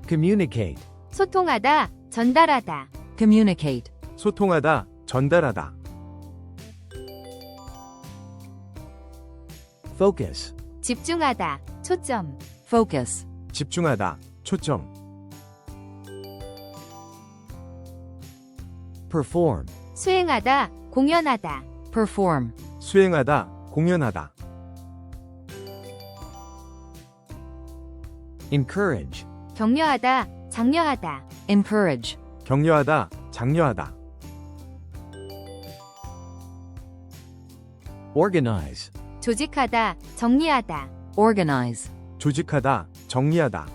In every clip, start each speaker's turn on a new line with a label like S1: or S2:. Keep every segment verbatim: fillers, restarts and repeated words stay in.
S1: communicate,
S2: 소통하다, 전달하다.
S3: communicate,
S1: 소통하다, 전달하다. focus,
S2: 집중하다, 초점.
S3: focus,
S1: 집중하다, 초점. perform,
S2: 수행하다, 공연하다.
S3: perform,
S1: 수행하다, 공연하다. encourage,
S2: 격려하다, 장려하다.
S3: encourage,
S1: 격려하다, 장려하다. organize,
S2: 조직하다, 정리하다.
S3: organize,
S1: 조직하다, 정리하다.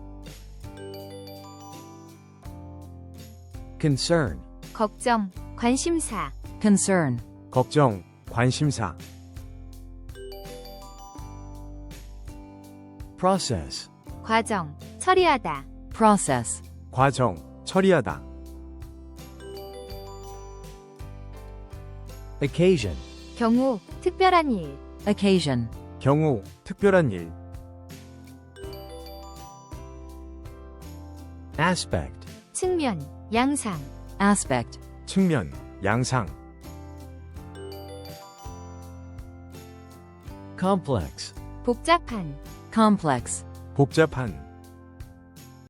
S1: concern,
S2: 걱정, 관심사.
S3: concern,
S1: 걱정, 관심사. process,
S2: 과정, 처리하다.
S3: process,
S1: 과정, 처리하다. occasion,
S2: 경우, 특별한 일.
S3: occasion,
S1: 경우, 특별한 일. aspect,
S2: 측면, 양상.
S3: aspect,
S1: 측면, 양상. complex,
S2: 복잡한.
S3: complex,
S1: 복잡한.